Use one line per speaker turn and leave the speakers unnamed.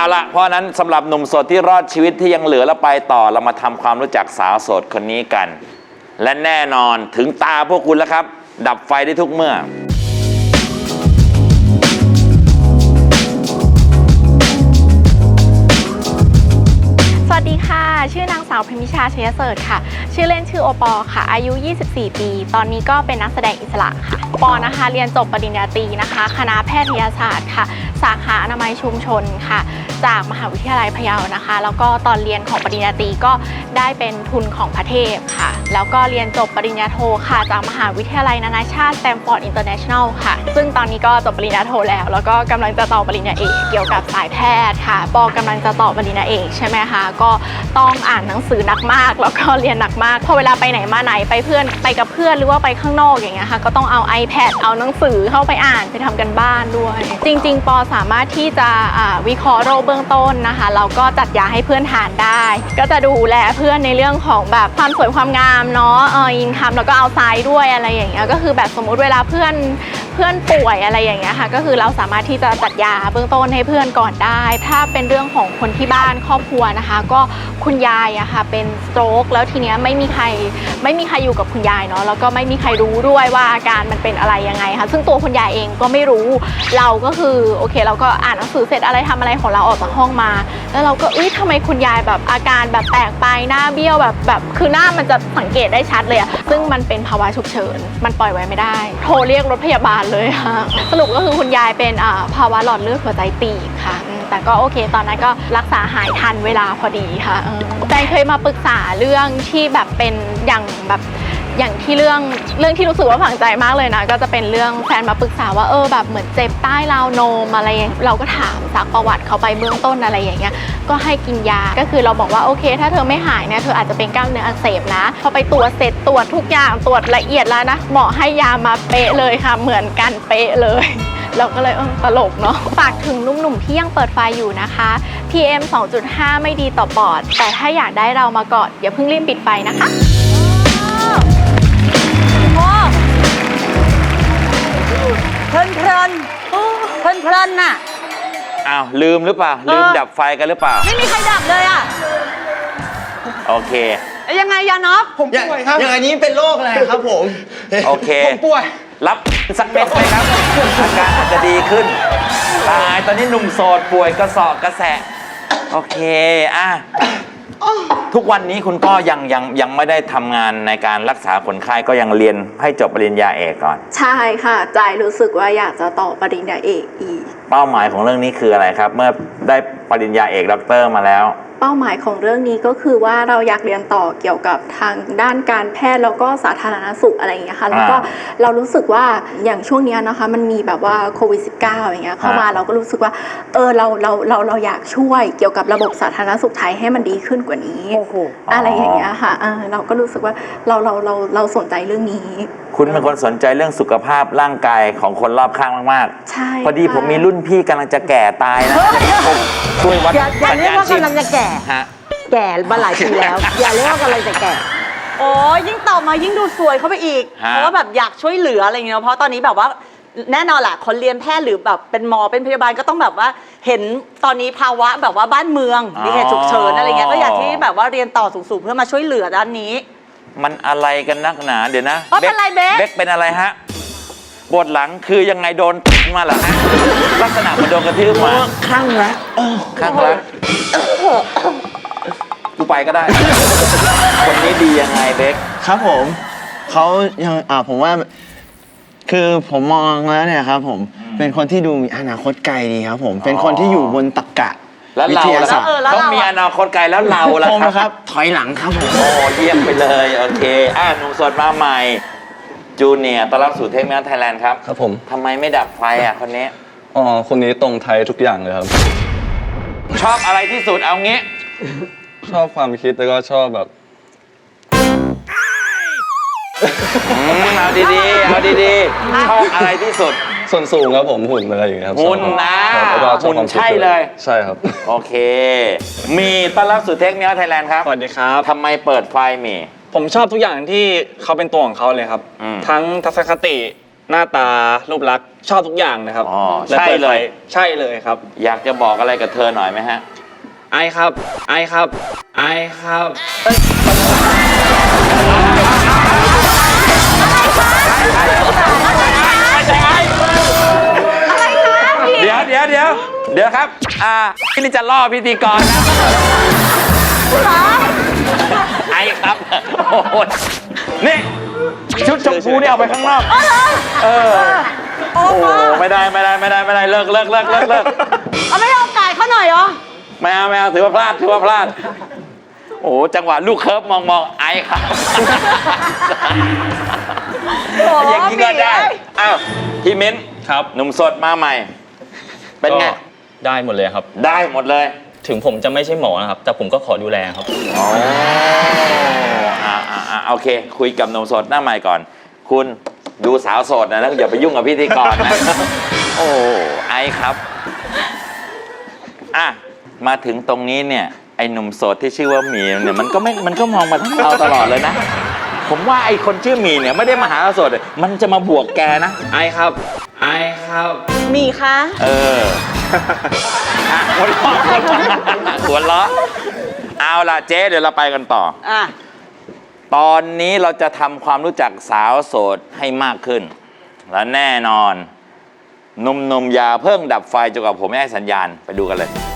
ละเพราะนั้นสำหรับหนุ่มโสดที่รอดชีวิตที่ยังเหลือแล้วไปต่อเรามาทำความรู้จักสาวโสดคนนี้กันและแน่นอนถึงตาพวกคุณแล้วครับดับไฟได้ทุกเมื่อ
สวัสดีค่ะชื่อนางสาวพิมพิชาชัยเสร์ค่ะชื่อเล่นชื่อโอปอค่ะอายุ 24 ปีตอนนี้ก็เป็นนักแสดงอิสระค่ะปอนะคะเรียนจบปริญญาตรีนะคะคณะแพทยศาสตร์ค่ะสาขาอนามัยชุมชนค่ะจากมหาวิทยาลัยพะเยานะคะแล้วก็ตอนเรียนของปริญญาตรีก็ได้เป็นทุนของพระเทพค่ะแล้วก็เรียนจบปริญญาโทค่ะจากมหาวิทยาลัยนานาชาติสแตมฟอร์ดอินเตอร์เนชั่นแนลค่ะซึ่งตอนนี้ก็จบปริญญาโทแล้วก็กำลังจะต่อปริญญาเอกเกี่ยวกับสายแพทย์ค่ะปอกำลังจะต่อปริญญาเอกใช่ไหมคะก็ต้องอ่านหนังสือหนักมากแล้วก็เรียนหนักมากพอเวลาไปไหนมาไหนไปกับเพื่อนหรือว่าไปข้างนอกอย่างเงี้ยค่ะก็ต้องเอา iPad เอาหนังสือเข้าไปอ่านไปทำกันบ้านด้วยจริงๆปอสามารถที่จะวิเคราะห์โรคเบื้องต้นนะคะแล้วก็จัดยาให้เพื่อนทานได้ก็จะดูแลเพื่อนในเรื่องของแบบความสวยความงามเนาะอินคัมแล้วก็เอาไซด์ด้วยอะไรอย่างเงี้ยก็คือแบบสมมุติเวลาเพื่อนป่วยอะไรอย่างเงี้ยค่ะก็คือเราสามารถที่จะจัดยาเบื้องต้นให้เพื่อนก่อนได้ถ้าเป็นเรื่องของคนที่บ้านครอบครัวนะคะก็คุณยายอะค่ะเป็นสโตรกแล้วทีเนี้ยไม่มีใครอยู่กับคุณยายเนาะแล้วก็ไม่มีใครรู้ด้วยว่าอาการมันเป็นอะไรยังไงค่ะซึ่งตัวคุณยายเองก็ไม่รู้เราก็คือโอเคเราก็อ่านหนังสือเสร็จอะไรทำอะไรของเราออกจากห้องมาแล้วเราก็ทำไมคุณยายแบบอาการแบบแปลกไปหน้าเบี้ยวแบบคือหน้ามันจะสังเกตได้ชัดเลยอะซึ่งมันเป็นภาวะฉุกเฉินมันปล่อยไว้ไม่ได้โทรเรียกรถพยาบาลเลยค่ะสรุปก็คือคุณยายเป็นภาวะหลอดเลือดหัวใจตีบค่ะแต่ก็โอเคตอนนั้นก็รักษาหายทันเวลาพอดีค่ะแฟนเคยมาปรึกษาเรื่องที่แบบเป็นอย่างที่เรื่องที่รู้สึกว่าฝังใจมากเลยนะก็จะเป็นเรื่องแฟนมาปรึกษาว่าแบบเหมือนเจ็บใต้ราวนมอะไรเราก็ถามซักประวัติเขาไปเบื้องต้นอะไรอย่างเงี้ยก็ให้กินยาก็คือเราบอกว่าโอเคถ้าเธอไม่หายเนี่ยเธออาจจะเป็นกล้ามเนื้ออักเสบนะพอไปตรวจเสร็จตรวจทุกอย่างตรวจละเอียดแล้วนะหมอให้ยามาเป๊ะเลยค่ะเหมือนกันเป๊ะเลยเราก็เลยตลกเนาะฝากถึงหนุ่มๆที่ยังเปิดไฟอยู่นะคะ PM 2.5 ไม่ดีต่อปอดแต่ถ้าอยากได้เรามากอดอย่าเพิ่งรีบปิดไฟนะคะ
เพลินน่ะ
อ้าวลืมหรือเปล่าลืมดับไฟกันหรือเปล่า
ไม่มีใครดับเลยอ่ะ
โอเค
ยังไงยานอฟ
ผมป่วยครับอย่างนี้เป็นโรคอะไรครับผม
โอเค
ผมป่วย
รับสักเม็ดไหมครับอาการอาจจะดีขึ้นตายตอนนี้หนุ่มโสดป่วยกระสอบกระแสะโอเคทุกวันนี้คุณก็ยังไม่ได้ทำงานในการรักษาคนไข้ก็ยังเรียนให้จบปริญญาเอกก่อน
ใช่ค่ะใจรู้สึกว่าอยากจะต่อปริญญาเอกอีก
เป้าหมายของเรื่องนี้คืออะไรครับเมื่อได้ปริญญาเอกด็อกเตอร์มาแล้ว
เป้าหมายของเรื่องนี้ก็คือว่าเราอยากเรียนต่อเกี่ยวกับทางด้านการแพทย์แล้วก็สาธารณสุขอะไรอย่างเงี้ยค่ะแล้วก็เรารู้สึกว่าอย่างช่วงนี้นะคะมันมีแบบว่าโควิด -19 อย่างเงี้ยเข้ามาเราก็รู้สึกว่าเราอยากช่วยเกี่ยวกับระบบสาธารณสุขไทยให้มันดีขึ้นกว่านี้อะไรอย่างเงี้ยค่ะเราก็รู้สึกว่าเราสนใจเรื่องนี้
คุณเป็นคนสนใจเรื่องสุขภาพร่างกายของคนรอบข้างมาก
ๆใช่
พอดีผมมีรุ่นพี่กำลังจะแก่ตายนะช่วยวัด
อย่าเรียกว่ากำลังจะแก่แก่มาหลายปีแล้วอย่าเรียกว่ากำลังจะแก่โอ้ยิ่งต่อมายิ่งดูสวยเข้าไปอีกเพราะว่าแบบอยากช่วยเหลืออะไรอย่างเงี้ยเพราะตอนนี้แบบว่าแน่นอนแหละคนเรียนแพทย์หรือแบบเป็นหมอเป็นพยาบาลก็ต้องแบบว่าเห็นตอนนี้ภาวะแบบว่าบ้านเมืองมีเหตุฉุกเฉินอะไรเงี้ยก็อยากที่แบบว่าเรียนต่อสูงๆเพื่อมาช่วยเหลือด้านนี้
มันอะไรกันนักหนาเดี๋ยวนะ
เป็นไรเบ๊ก
เป็นอะไรฮะปวดหลังคือยังไงโดนมาเหรอฮะลักษณะมันโดนกระทืบมา
ข้างรัก
กูไปก็ได้คนนี้ดียังไงเบ๊ก
ครับผมเขายังผมว่าคือผมมองแล้วเนี่ยครับผมเป็นคนที่ดูมีอนาคตไกลดีครับผมเป็นคนที่อยู่บนตรรกะ
แล้วเราต้องมีอนาคตไกลแล้วเราล่ะ
ครับถอยหลังครับผม
โอ้เยี่ยมไปเลยโอเคหนุ่มโสดมาใหม่จูเนียร์ต้อนรับสู่เทคเมลไทยแลนด์ครับ
ครับผม
ทำไมไม่ดับไฟคนนี้
คนนี้ตรงไทยทุกอย่างเลยครับ
ชอบอะไรที่สุดเอางี้
ชอบความคิดแล้วก็ชอบแบบ
เอาดีๆชอบอะไรที่สุด
ส่วนสูงครับผมหุ่นอะไรอย่างเงี้ยครับ
หุ่นนะหุ่นใช่เลย
ใช่ครับ
โอเคมีต้อนรับสู่เทคเมลไทยแลนด์ครับ
สวัสดีครับ
ทำไมเปิดไฟมี
ผมชอบทุกอย่างที่เขาเป็นตัวของเขาเลยครับทั้งทัศนคติหน้าตารูปลักษณ์ชอบทุกอย่างนะครับ
อ๋อ
และ
ใช่เลย
ใช่เลยครับ
อยากจะบอกอะไรกับเธอหน่อยไหมฮะ
ไอครับ ไอครับ ไอครับ
เดี๋ยวครับพี่นี่จะล่อพิธีกรนะไอครับโอ้โหนี่ชุดชมพูนี่เอาไปข้างนอกเออโอ้ไม่ได้เลิก
เอาไม่ให้โอกาสเขาหน่อยเหรอ
ไม่เอาถือว่าพลาดโอ้โหจังหวะลูกเคิร์ฟมองไอครับอย่างนี้ก็ได้อ้าวพี่มิ้น
ครับ
หนุ่มสดมาใหม่ เป็นไง
ก็ได้หมดเลยครับ
ได้หมดเลย
ถึงผมจะไม่ใช่หมอนะครับ แต่ผมก็ขอดูแลครับ
อ๋อโอเค คุยกับหนุ่มโสดหน้าใหม่ก่อน คุณดูสาวโสดนะแล้วอย่าไปยุ่งกับพิธีกรนะ โอ้ไอครับมาถึงตรงนี้เนี่ยไอหนุ่มโสดที่ชื่อว่าหมีเนี่ยมันก็มองมาทั้งเราตลอดเลยนะ ผมว่าไอคนชื่อหมีเนี่ยไม่ได้มาหาเราโสดเลยมันจะมาบวกแกนะ
ไอครับ ไอครับ
มีคะ
เออหัวเราะเอาล่ะเจ๊เดี๋ยวเราไปกันต่อ
อ่ะ
ตอนนี้เราจะทำความรู้จักสาวโสดให้มากขึ้น และแน่นอนหนุ่มๆอย่าเพิ่งดับไฟจนกว่าผมไม่ให้สัญญาณไปดูกันเลย